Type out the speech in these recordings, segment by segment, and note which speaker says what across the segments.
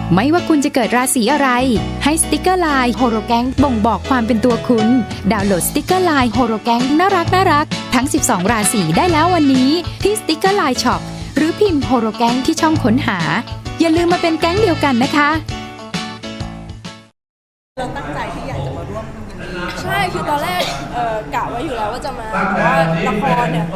Speaker 1: ไม่ว่าคุณจะเกิดราศีอะไรให้สติกเกอร์ไลน์โฮโรแกงบ่งบอกความเป็นตัวคุณดาวน์โหลดสติกเกอร์ไลน์โฮโรแกงน่ารักทั้ง12ราศีได้แล้ววันนี้ที่สติกเกอร์ไลน์ช็อปหรือพิมพ์โฮโรแกงที่ช่องค้นหาอย่าลืมมาเป็นแก๊งเดียวกันนะคะ
Speaker 2: เราตั้งใจที่อยากจะมาร่วมยินดี
Speaker 3: ใช่คือตอนแรกกะไว้อยู่แล้วว่าจะมาแต่ว่าละครเนี่ย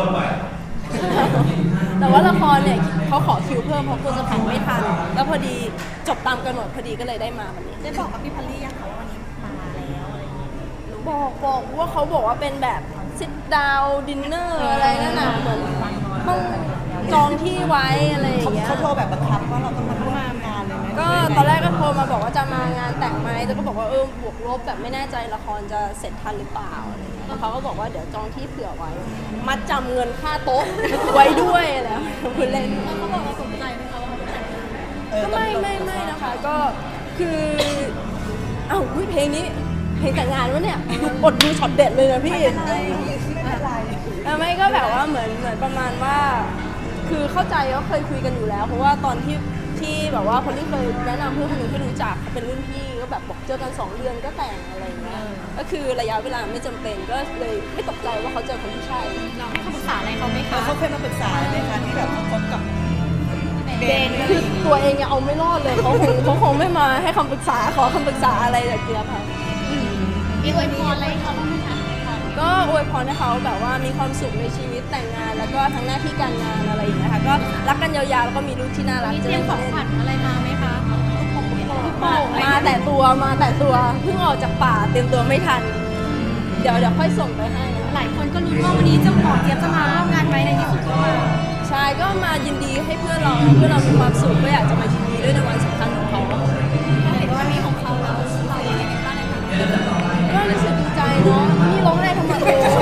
Speaker 3: แต่ว่าละครเนี่ยเขาขอคิวเพิ่มเพราะกลัวจะถ่ายไม่ทันแล้วพอดีจบตามกำหนดพอดีก็เลยได้มาวันนี้
Speaker 2: ได้บอกกับพี่พัลลี่ยังคะว่าวันนี้มาแล้วอะไรอย่างเงี้ย
Speaker 3: บอกว่าเขาบอกว่าเป็นแบบ sit down dinner อะไรนั่นน่ะเหมือนต้องจองที่ไว้อะไรอย่างเงี้ย
Speaker 2: เขาโทรแบบบังคับว่าเราต้องมาร่วมงานเลยไหม
Speaker 3: ก็ตอนแรกก็โทรมาบอกว่าจะมางานแต่งไหมแต่ก็บอกว่าบวกลบแบบไม่แน่ใจละครจะเสร็จทันหรือเปล่าอะไรเงี้ยแล้วเขาก็บอกว่าเดี๋ยวจองที่เผื่อไว้มัดจำเงินค่าโต๊ะไว้ด้วยแล้วคุณเล่นเขาบอกว่าสนใจไหมคะว่าเขาจะแต่งงานก็ไม่นะคะก็คือเพลงนี้เพลงแต่งงานวะเนี่ยอดดูช็อตเด็ดเลยนะพี่ไม่ก็แบบว่าเหมือนประมาณว่าคือเข้าใจว่าเคยคุยกันอยู่แล้วเพราะว่าตอนที่แบบว่าคนที่เคยแนะนำเพื่อนคนหนึ่งที่รู้จักเป็นรุ่นพี่ก็แบบบอกเจอกัน2 เดือนก็แต่งอะไรเงี้ยก็คือระยะเวลาไม่จำเป็นก็เลยไม่ตกใจว่าเขาเจอคนที่ใช่
Speaker 4: เราให้คำปรึกษาอะไรเขาไหมคะ
Speaker 2: เขาเคยมาปรึกษาไหมคะที่แบบเขาคบกับ
Speaker 3: เบนคือตัวเองยังเอาไม่รอดเลยเขาคงไม่มาให้คำปรึกษาขอคำปรึกษาอะไรจากเจี๊ยบค่ะ
Speaker 4: มีอวยพรอะไรเขาบ้างไหมคะ
Speaker 3: ก็อวยพรให้เขาแบบว่ามีความสุขในชีวิตแต่งงานแล้วก็ทั้งหน้าที่การงานอะไรอย่างเงี้ยค่ะก็รักกันยาวๆแล้วก็มีลูกที่น่ารัก
Speaker 4: มีเตรียมของขวัญอะไรมาไหมคะ
Speaker 3: มาแต่ตัวเพิ่งออกจากป่าเตรียมตัวไม่ทันเดี๋ยวค่อยส่งไปให้
Speaker 4: หลายคนก็ลุ้นว่าวันนี้เจ้าของเจี๊ยบจะมาร่วมงานไหมในที่สุดก็มา
Speaker 3: ใช่ก็มายินดีให้เพื่อนเรามีความสุขก็อยากจะมายินดีด้วยในวันสำคัญของเขา
Speaker 4: เห็นว่ามีของเขาแล้วเราอย่างไรบ้างเลยคะ
Speaker 3: ก็รู้สึกดีใจเนาะนี่ร้องไห้ทำไม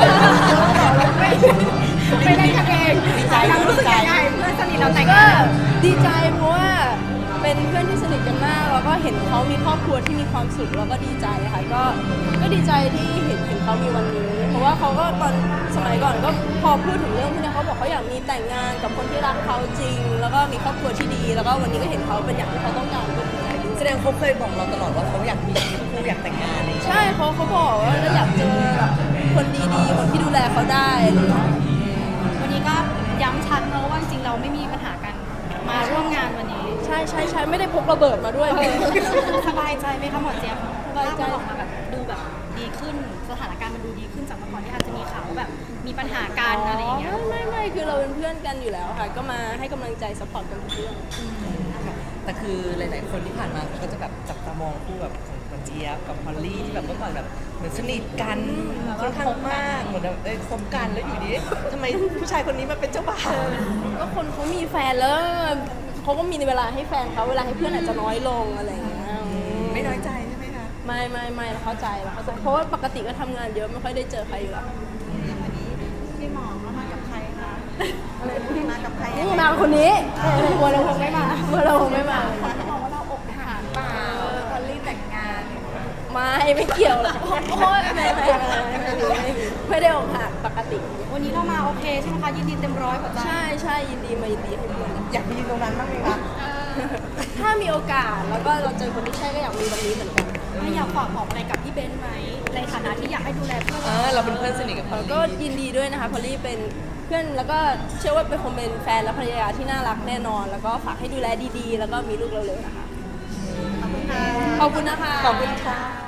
Speaker 4: ไม่ได้กันเองดีใจรู้สึกยังไงเพื่อนสนิทเราแต่ง
Speaker 3: ก็ดีใจเพราะว่าเป็นเพื่อนที่สนิทกันมากแล้วก็เห็นเขามีครอบครัวที่มีความสุขแล้วก็ดีใจค่ะก็ดีใจที่เห็นเขามีวันนี้เพราะว่าเขาก็ตอนสมัยก่อนก็พอพูดถึงเรื่องพวกนี้เขาบอกเขาอยากมีแต่งงานกับคนที่รักเขาจริงแล้วก็มีครอบครัวที่ดีแล้วก็วันนี้ก็เห็นเขาเป็นอย่างที่เขาต้องการก็ดีใจด้วย
Speaker 2: แสดงเขาเคยบอกเราตลอดว่าเขาอยากมีคู่อยากแต่งงานเลย
Speaker 3: ใช่เขาบอกว่าอยากเจอแบบคนดีๆคนที่ดูแลเขาได้
Speaker 4: วันนี้ก็ย้ำชัดเนอะว่าจริงเราไม่มีปัญหากันมาร่วมงานวันนี้
Speaker 3: ใช่ไม่ได้พกระเบิดมาด้วย
Speaker 4: สบายใจไหมคะหมอเจี๊ยบสบายใจออกมาแบบดูแบบดีขึ้นสถานการณ์มันดูดีขึ้นจากเมื่อก่อนที่อาจจะมีข่าวแบบมีปัญหากันอะไรอย่างเงี้ย
Speaker 3: ไม่คือเราเป็นเพื่อนกันอยู่แล้วค่ะก็มาให้กำลังใจซัพพอร์ตกันทุกเรื่อง
Speaker 2: แต่คือหลายๆคนที่ผ่านมาก็จะแบบจับตามองคู่แบบของเจี๊ยบกับพอลลี่ที่แบบเมื่อก่อนแบบเหมือนสนิทกันค่อนข้างมากเหมือนแบบคบกันแล้วอยู่ดีทำไมผู้ชายคนนี้มาเป็นเจ้าบ่าว
Speaker 3: ก็คนเขามีแฟนแล้วเขาก็มีเวลาให้แฟนเขาเวลาให้เพื่อนอาจจะน้อยลงอะไรอย่างเงี้ย
Speaker 2: ไม่น้อยใจใช่ไหมคะ
Speaker 3: ไม่เราเข้าใจเพราะว่าปกติก็ทำงานเยอะไม่ค่อยได้เจอใครอยู่แล้ว
Speaker 4: วันนี้พี่หมอมากับใครคะมากับใคร
Speaker 3: นี่มาคนนี้บัวเราคงไม่มา
Speaker 4: เขาบอกว่าเราอกหักเปล่าพอลลี่แต่งงาน
Speaker 3: ไม่เกี่ยวหรอกโอ๊ยไม่ได้อกหักปกติ
Speaker 4: วันนี้เรามาโอเคใช่ไหมคะยินดีเต็มร้อยหัวใจ
Speaker 3: ใช่ยินดีให้เพื่อน
Speaker 2: อยากไปยืนตรงนั้นบ้างไหมคะ
Speaker 3: ถ้ามีโอกาสแล้วก็เราเจอคนที่ใช่ก็อยากมีตรงนี้เหมือนกัน
Speaker 4: ไม่อยากฝากบอกอะไรกับพี่เบนไหมในฐานะที่อยากให้ดูแลเพื่อน
Speaker 2: เราเป็นเพื่อนสนิทกับพอลลี่
Speaker 3: ก็ยินดีด้วยนะคะพอลลี่เป็นเพื่อนแล้วก็เชื่อว่าเป็นคนเป็นแฟนและภรรยาที่น่ารักแน่นอนแล้วก็ฝากให้ดูแลดีๆแล้วก็มีลูกเร็วๆนะคะขอบคุณนะคะ
Speaker 2: ขอบคุณค่ะ